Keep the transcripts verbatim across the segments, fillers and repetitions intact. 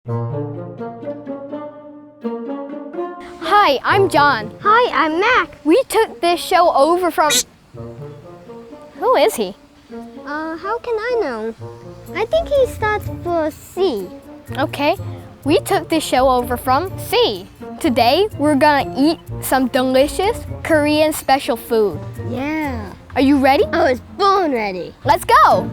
Hi, I'm John. Hi, I'm Mac. We took this show over from... Who is he? Uh, how can I know? I think he starts for C. Okay, we took this show over from C. Today, we're gonna eat some delicious Korean special food. Yeah. Are you ready? I was born ready. Let's go!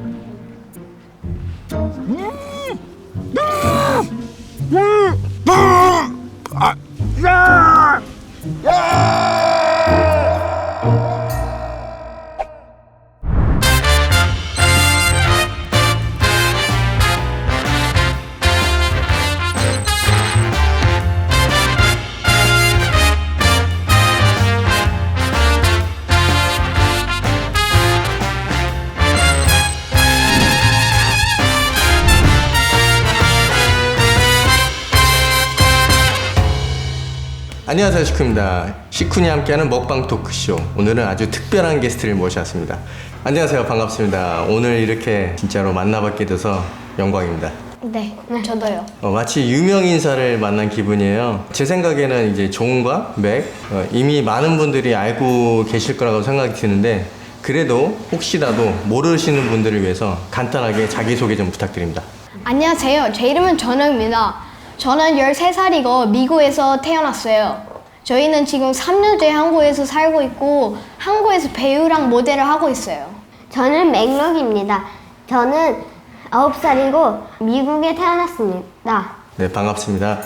안녕하세요, 식구입니다. 식훈이 함께하는 먹방 토크쇼. 오늘은 아주 특별한 게스트를 모셨습니다. 안녕하세요, 반갑습니다. 오늘 이렇게 진짜로 만나뵙게 돼서 영광입니다. 네, 저도요. 어, 마치 유명 인사를 만난 기분이에요. 제 생각에는 이제 존과 맥 어, 이미 많은 분들이 알고 계실 거라고 생각이 드는데 그래도 혹시라도 모르시는 분들을 위해서 간단하게 자기소개 좀 부탁드립니다. 안녕하세요. 제 이름은 전우입니다. 저는 열세 살이고 미국에서 태어났어요. 저희는 지금 삼 년째 한국에서 살고 있고 한국에서 배우랑 모델을 하고 있어요. 저는 맥럭입니다. 저는 아홉 살이고 미국에 태어났습니다. 네, 반갑습니다.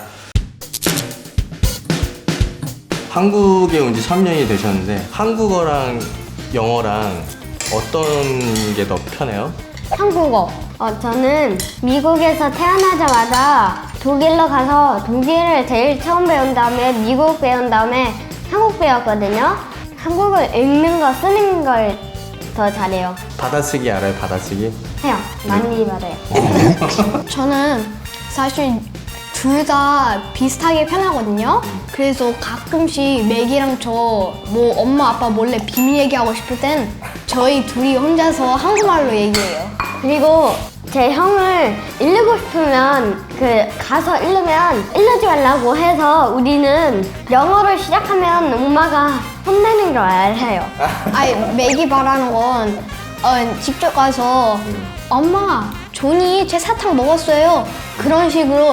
한국에 온 지 삼 년이 되셨는데 한국어랑 영어랑 어떤 게 더 편해요? 한국어. 어, 저는 미국에서 태어나자마자 독일로 가서 독일을 제일 처음 배운 다음에 미국 배운 다음에 한국 배웠거든요. 한국을 읽는 거 쓰는 걸 더 잘해요. 받아쓰기 알아요? 받아쓰기? 해요. 많이 말해요. 저는 사실 둘 다 비슷하게 편하거든요. 그래서 가끔씩 맥이랑 저 뭐 엄마 아빠 몰래 비밀 얘기하고 싶을 땐 저희 둘이 혼자서 한국말로 얘기해요. 그리고 제 형을 읽고 싶으면 그 가서 읽으면 읽지 말라고 해서 우리는 영어를 시작하면 엄마가 혼내는 걸 알아요. 아니 맥이 말하는 건 어, 직접 가서 엄마 존이 제 사탕 먹었어요. 그런 식으로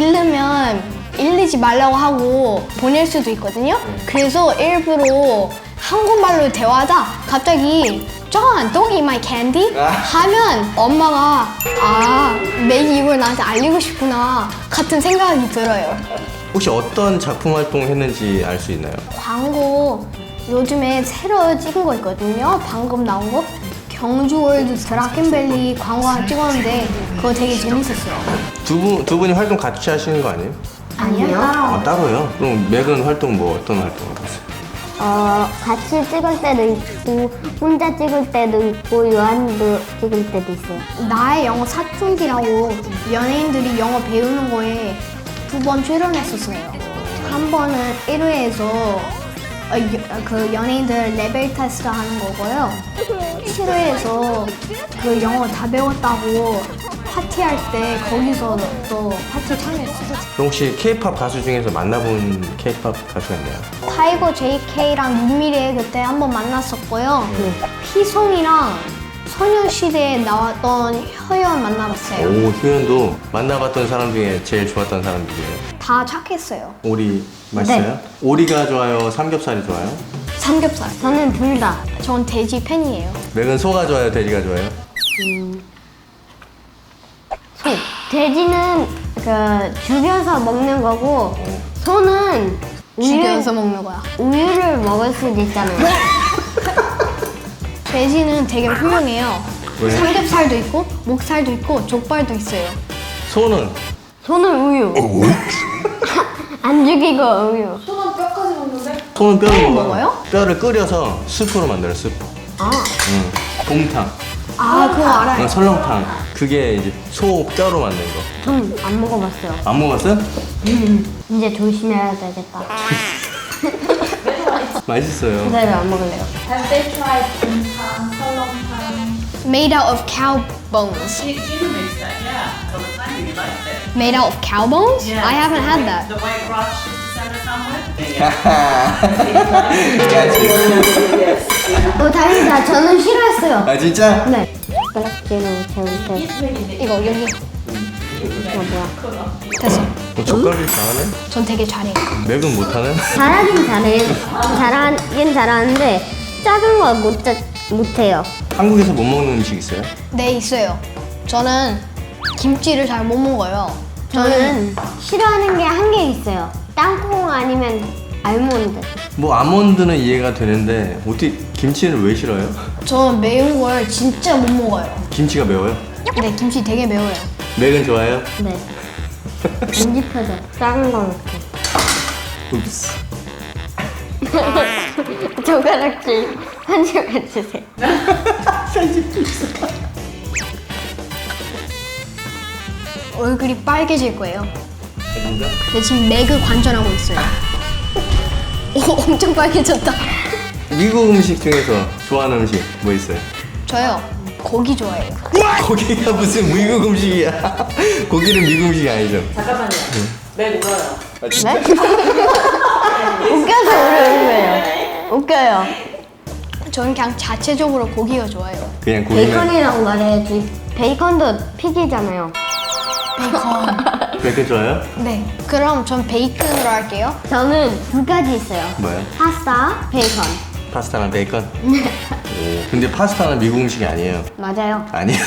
읽으면 읽지 말라고 하고 보낼 수도 있거든요. 그래서 일부러 한국말로 대화하다 갑자기 John, don't eat my candy? 하면 엄마가 아, 맥이 이걸 나한테 알리고 싶구나 같은 생각이 들어요. 혹시 어떤 작품 활동했는지 알 수 있나요? 광고 요즘에 새로 찍은 거 있거든요. 방금 나온 거. 경주월드 드라켄밸리 광고 하나 찍었는데 그거 되게 재밌었어요. 두 분, 두 분이 활동 같이 하시는 거 아니에요? 아니요. 아, 따로요? 그럼 맥은 활동 뭐 어떤 활동을 하세요? 어, 같이 찍을 때도 있고 혼자 찍을 때도 있고 요한도 찍을 때도 있어요. 나의 영어 사춘기라고 연예인들이 영어 배우는 거에 두 번 출연했었어요. 한 번은 일 회에서 어, 여- 그 연예인들 레벨 테스트 하는 거고요. 칠 회에서 그 영어 다 배웠다고 파티할 때 거기서 또 파티 참여했어요. 그럼 혹시 케이팝 가수 중에서 만나본 케이팝 가수가 있나요? 타이거 제이케이랑 윤미래 그때 한번 만났었고요. 피송이랑 소녀시대에 나왔던 효연 만나봤어요. 오, 효연도 만나봤던 사람 중에 제일 좋았던 사람 누구예요? 다 착했어요. 오리 맛있어요? 네. 오리가 좋아요? 삼겹살이 좋아요? 삼겹살. 저는 둘 다. 전 돼지 팬이에요. 맥은 소가 좋아요? 돼지가 좋아요? 소. 돼지는 그 죽여서 먹는 거고 소는 우유, 죽여서 먹는 거야. 우유를 먹을 수도 있잖아요. 돼지는 되게 훌륭해요. 왜? 삼겹살도 있고 목살도 있고 족발도 있어요. 소는? 소는 우유. 안 죽이고 우유. 소는 뼈를 먹어요? 먹어요? 뼈를 끓여서 스프로 만들어요, 스프. 아, 응. 곰탕, 아 그거 알아요. 어, 설렁탕. 그게 이제 소 뼈로 만든 거. 전 안 먹어봤어요. 안 먹었어요? 이제 조심해야 되겠다. 맛있어요. 그대로 안 먹을래요. Made out of cow bones. Gina makes that, yeah, all the time. You liked it. Made out of cow bones? Yeah, I haven't the had white- that. The white rocks she used to send us home with. 야, 어, 다행이다. 저는 싫어했어요. 아 진짜? 네. 젓가락질로 재울 이거 여기 이거 뭐야? 됐어. 어, 젓가락이 잘하네? 전 되게 잘해. 맥은 못하네? 잘하긴 잘해. 잘하긴 잘하는데 작은 거 못 못해요. 한국에서 못 먹는 음식 있어요? 네, 있어요. 저는 김치를 잘 못 먹어요. 저는 싫어하는 게 한 개 있어요. 땅콩 아니면 알몬드. 뭐 아몬드는 이해가 되는데 어떻게 김치는 왜 싫어요? 저는 매운 걸 진짜 못 먹어요. 김치가 매워요? 네, 김치 되게 매워요. 맥은 좋아해요? 네. 안 집혀져. 작은 거 먹고. 읍스. 젓가락질 한 입만 주세요. 얼굴이 빨개질 거예요. 진짜? 근데 지금 맥을 관전하고 있어요. 오, 엄청 빨개졌다. 미국 음식 중에서 좋아하는 음식 뭐 있어요? 저요, 고기 좋아해요. 고기가 무슨 미국 음식이야? 고기는 미국 음식이 아니죠? 잠깐만요. 매 울어요. 아, 진짜? 웃겨서 우는 거예요. 웃겨요. 저는 그냥 자체적으로 고기가 좋아요. 그냥 고기는 베이컨이라고 말해야지. 베이컨도 픽이잖아요. 베이컨. 베이컨 좋아해요? 네, 그럼 전 베이컨으로 할게요. 저는 두 가지 있어요. 뭐요? 파스타, 베이컨. 파스타랑 베이컨? 오, 근데 파스타는 미국 음식이 아니에요. 맞아요. 아니에요.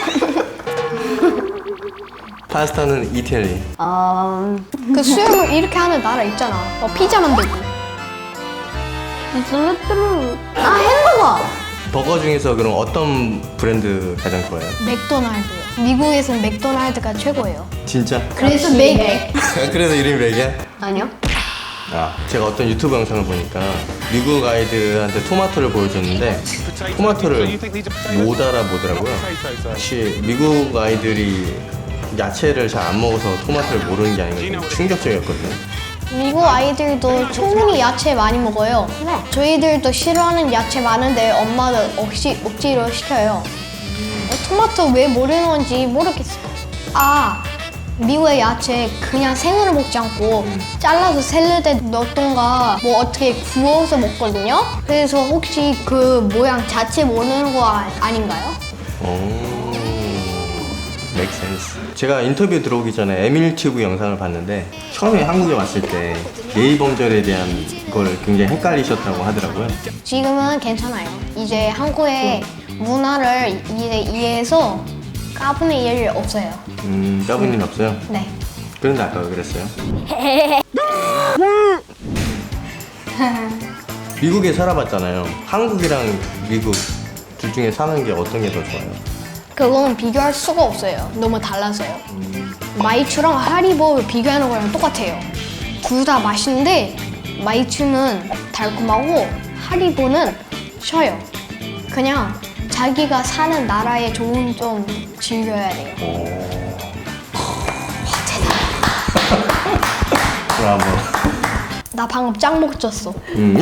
파스타는 이태리. 어... 그 수영을 이렇게 하는 나라 있잖아. 어, 피자 만들고. 뚜루뚜루. 아, 햄버거! 버거 중에서 그럼 어떤 브랜드 가장 좋아해요? 맥도날드요. 미국에서는 맥도날드가 최고예요. 진짜? 그래서 맥. 그래서 이름이 맥이야? 아니요. 아, 제가 어떤 유튜브 영상을 보니까 미국 아이들한테 토마토를 보여줬는데 토마토를 못 알아보더라고요. 혹시 미국 아이들이 야채를 잘 안 먹어서 토마토를 모르는 게 아닌가 좀 충격적이었거든요. 미국 아이들도 충분히 야채 많이 먹어요. 네. 저희들도 싫어하는 야채 많은데 엄마는 억지, 억지로 시켜요. 어, 토마토 왜 모르는 건지 모르겠어요. 아, 미국의 야채 그냥 생으로 먹지 않고 잘라서 샐러드에 넣던가 뭐 어떻게 구워서 먹거든요. 그래서 혹시 그 모양 자체 모르는 거 아, 아닌가요? 오, make sense. 제가 인터뷰 들어오기 전에 에밀튜브 영상을 봤는데 처음에 한국에 왔을 때 예의범절에 대한 걸 굉장히 헷갈리셨다고 하더라고요. 지금은 괜찮아요. 이제 한국의 문화를 이제 이해해서 까부는 일 없어요. 음, 까부님 없어요? 네. 그런데 아까 왜 그랬어요? 미국에 살아봤잖아요. 한국이랑 미국 둘 중에 사는 게 어떤 게 더 좋아요? 그건 비교할 수가 없어요. 너무 달라서요. 마이추랑 하리보 비교하는 거랑 똑같아요. 둘 다 맛있는데 마이추는 달콤하고 하리보는 셔요. 그냥 자기가 사는 나라의 좋은 점 즐겨야 돼요. 브라보. 나 방금 짱 먹었어. 음.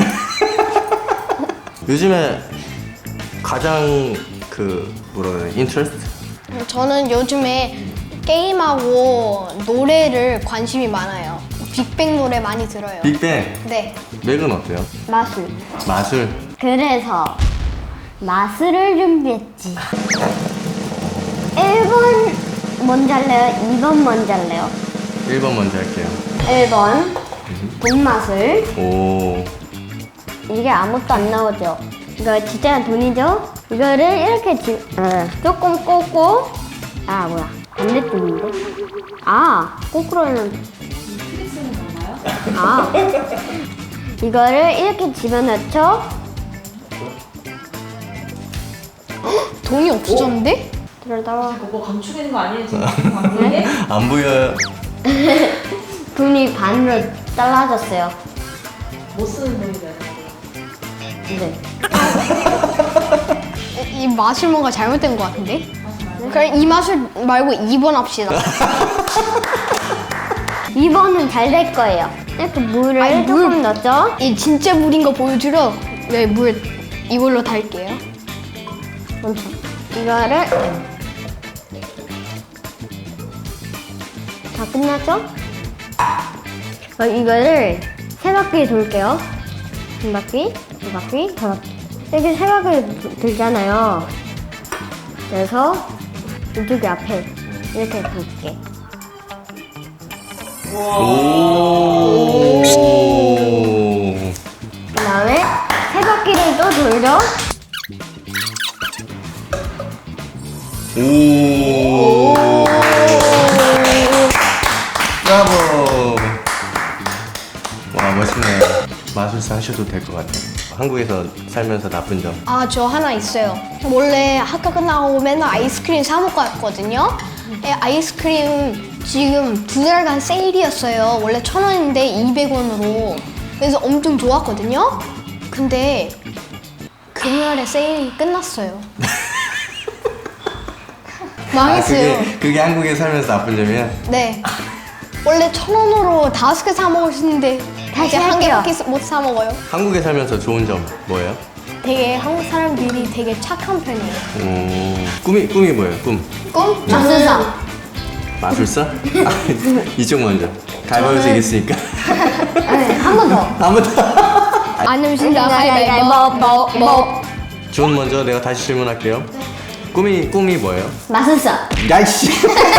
요즘에 가장 그 뭐라 그래 인트레스트? 저는 요즘에 게임하고 노래를 관심이 많아요. 빅뱅 노래 많이 들어요. 빅뱅. 네. 맥은 어때요? 마술. 마술. 그래서 마술을 준비했지. 일 번 먼저 할래요? 이 번 먼저 할래요? 일 번 먼저 할게요. 일 번 돈마술. 오. 이게 아무것도 안 나오죠? 이거 진짜 돈이죠? 이거를 이렇게 지, 어, 조금 꽂고 아 뭐야 반대쪽인데? 아 거꾸로는 아 이거를 이렇게 집어넣죠? 돈이 없어졌는데? 그러다가 그거 감추기는 거 아니에요, 지금? 방송에? 안 보여요. 돈이 반으로 잘라졌어요. 못 쓰는 돈이 돼요. 네. 이 마술 뭔가 잘못된 것 같은데? 그럼 이 마술 말고 이 번 합시다. 이 번은 잘 될 거예요. 이렇게 물을 아니, 조금 물- 넣었죠? 이 진짜 물인 거 보여주려 네, 물 이걸로 달게요. 먼저 이거를 다 끝났죠? 어, 이거를 세 바퀴 돌게요. 한 바퀴, 두 바퀴, 세 바퀴. 이렇게 세 바퀴 도- 돌잖아요. 그래서 이쪽에 앞에 이렇게 돌게. 오. 그 다음에 세 바퀴를 또 돌죠. 오. 브라보. 와, 멋있네요. 마술사 하셔도 될 것 같아요. 한국에서 살면서 나쁜 점. 아, 저 하나 있어요. 원래 학교 끝나고 맨날 아이스크림 사 먹고 왔거든요. 예, 아이스크림 지금 두 달간 세일이었어요. 원래 천 원인데 이백 원으로. 그래서 엄청 좋았거든요. 근데 금요일에 세일이 끝났어요. 망했어요. 아, 그게, 그게 한국에 살면서 나쁜 점이야? 네. 원래 천 원으로 다섯 개 사 먹을 수 있는데 다시 이제 한 할게요. 개밖에 못 사 먹어요. 한국에 살면서 좋은 점 뭐예요? 되게 한국 사람들이 되게 착한 편이에요. 오. 꿈이, 꿈이 뭐예요? 꿈? 꿈? 마술사. 마술사? 이쪽 먼저. 가위바위보 저는- 이겼으니까. 네, 한 번 더. 아무도. 안 음식이다 가위바위보 뭐, 뭐. 존 먼저 내가 다시 질문할게요. 꿈이, 꿈이 뭐예요? 마술사. 야이씨.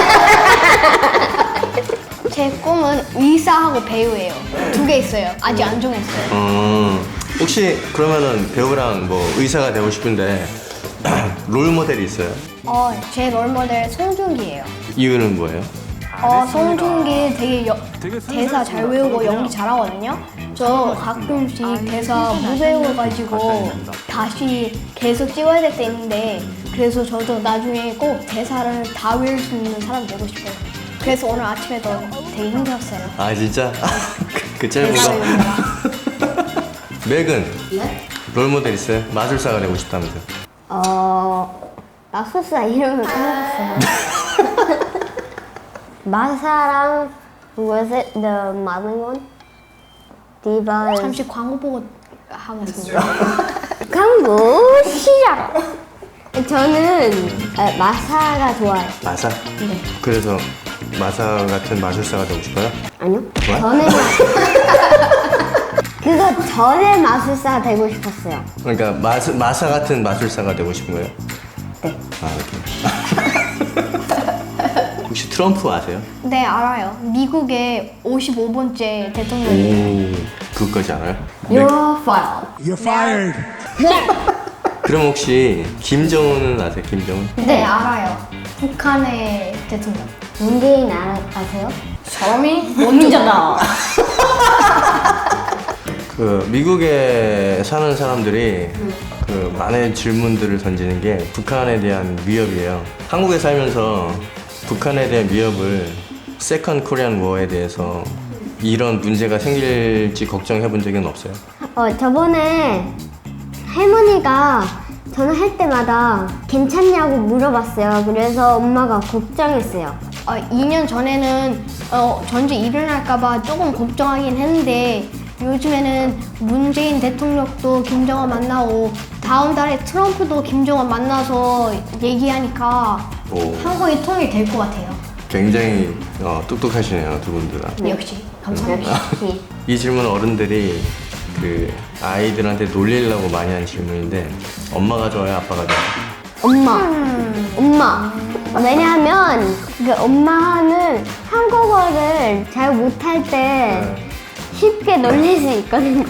제 꿈은 의사하고 배우예요. 두 개 있어요. 아직 안 정했어요. 어, 혹시 그러면은 배우랑 뭐 의사가 되고 싶은데 롤 모델이 있어요? 어, 제 롤모델 송중기예요. 이유는 뭐예요? 어, 송중기 되게 여, 대사 잘 외우고 연기 잘하거든요. 저 가끔씩 대사 못 외워가지고 다시 계속 찍어야 될 때 있는데 그래서 저도 나중에 꼭 대사를 다 외울 수 있는 사람 되고 싶어요. 그래서 오늘 아침에도 되게 힘들었어요. 아 진짜? 그, 그 짧은 대사 거? 외우느라. 맥은 네? 롤 모델 있어요? 마술사가 되고 싶다면서. 어, 마술사 이름을 까먹었어요. 마사랑 was it the 많은 건? 디바 잠시 광고 보고 하겠습니다. 광고 시작. 저는 아, 마사가 좋아요. 마사? 네. 그래서 마사 같은 마술사가 되고 싶어요? 아니요. 뭐? 전에 마... 그거 전에 마술사 되고 싶었어요. 그러니까 마스, 마사 같은 마술사가 되고 싶은 거예요? 네. 아 이렇게. 혹시 트럼프 아세요? 네, 알아요. 미국의 오십오 번째 대통령이에요. 오, 그것까지 알아요? 네. You're fire. You're fired. 그럼 혹시 김정은은 아세요? 김정은? 네, 알아요. 북한의 대통령. 문재인 알아, 아세요? 사람이 원민잖아. 그 미국에 사는 사람들이 그 많은 질문들을 던지는 게 북한에 대한 위협이에요. 한국에 살면서 북한에 대한 위협을 세컨 코리안 워에 대해서 이런 문제가 생길지 걱정해 본 적은 없어요? 어, 저번에 할머니가 전화할 때마다 괜찮냐고 물어봤어요. 그래서 엄마가 걱정했어요. 어, 이 년 전에는 어, 전쟁 일어날까봐 조금 걱정하긴 했는데 요즘에는 문재인 대통령도 김정은 만나고 다음 달에 트럼프도 김정은 만나서 얘기하니까 오. 한국이 통일될 것 같아요. 굉장히 어, 똑똑하시네요, 두 분들 다. 역시 감사합니다. 역시. 이 질문 어른들이 그 아이들한테 놀리려고 많이 하는 질문인데 엄마가 좋아요, 아빠가 좋아요? 엄마. 엄마. 왜냐하면 그 엄마는 한국어를 잘 못할 때 쉽게 놀릴 수 있거든요.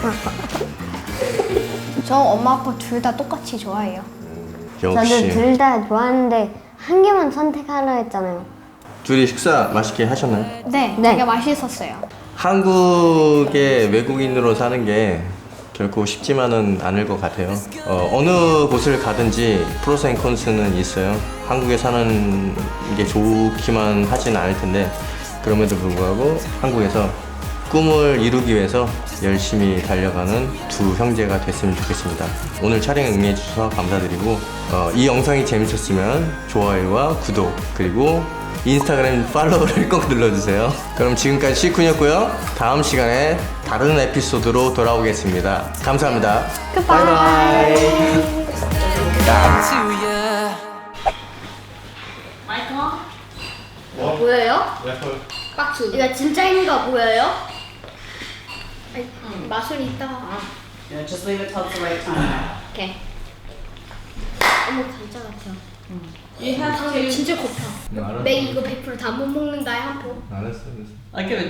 저 엄마 아빠 둘 다 똑같이 좋아해요. 저는 역시 둘 다 좋아하는데 한 개만 선택하라 했잖아요. 둘이 식사 맛있게 하셨나요? 네, 네. 되게 맛있었어요. 한국에 외국인으로 사는 게 결코 쉽지만은 않을 것 같아요. 어, 어느 곳을 가든지 프로스 앤 콘스는 있어요. 한국에 사는 게 좋기만 하진 않을 텐데 그럼에도 불구하고 한국에서 꿈을 이루기 위해서 열심히 달려가는 두 형제가 됐으면 좋겠습니다. 오늘 촬영에 응해 주셔서 감사드리고 어, 이 영상이 재밌었으면 좋아요와 구독 그리고 인스타그램 팔로우를 꼭 눌러주세요. 그럼 지금까지 시쿤이었고요. 다음 시간에 다른 에피소드로 돌아오겠습니다. 감사합니다. 바이바이. 마이크 온? 뭐예요? 박수. 이거 진짜인 거 보여요? 아이, 마술이 있다. Yeah, just leave it till it's the right time. 오케이. 어머 진짜 같아요. You have 방금 to 진짜 고파. 네, 알았어. 맥 이거 백 퍼센트 다 못 먹는다 한 포. 알았어, 알았어. like it